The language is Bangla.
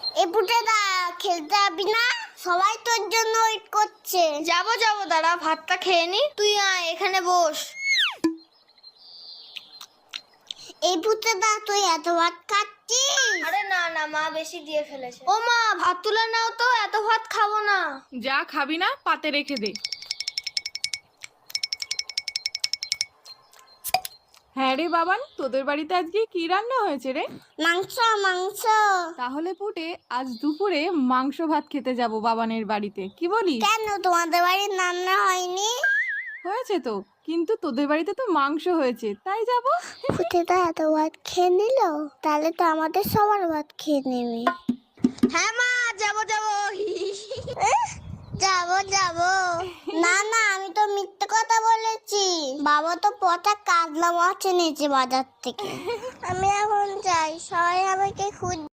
এ পুটেদা খেলতে যাবি না? সবাই তোর জন্য ওয়েট করছে। যাবো দাঁড়া, ভাতটা খেয়ে নি। তুই আয়, এখানে বস। এই পুটেদা তুই এত ভাত খাচ্ছিস? আরে না মা বেশি দিয়ে ফেলেছে। ও মা, ভাত তুলে নাও তো, এত ভাত খাবো না। যা খাবি না পাতে রেখে দে। হ্যাঁ রে বাবান, তোদের বাড়িতে আজকে কি রান্না হয়েছে রে? মাংস মাংস। তাহলে পুটে আজ দুপুরে মাংস ভাত খেতে যাব বাবানের বাড়িতে, কি বলিস? কেন তোমাদের বাড়ির রান্না হয়নি? হয়েছে তো, কিন্তু তোদের বাড়িতে তো মাংস হয়েছে, তাই যাব। পুটেদা এত ভাত খেয়ে নিল, তাহলে তো আমাদের সবার ভাত খেয়ে নেবে। হ্যাঁ মা, যাবো যাবো না না, আমি তো মিথ্যে কথা বলেছি। বাবা তো পচা কাতলা মাছ এনেছে বাজার থেকে। আমি এখন যাই, সবাই আমাকে খুঁজ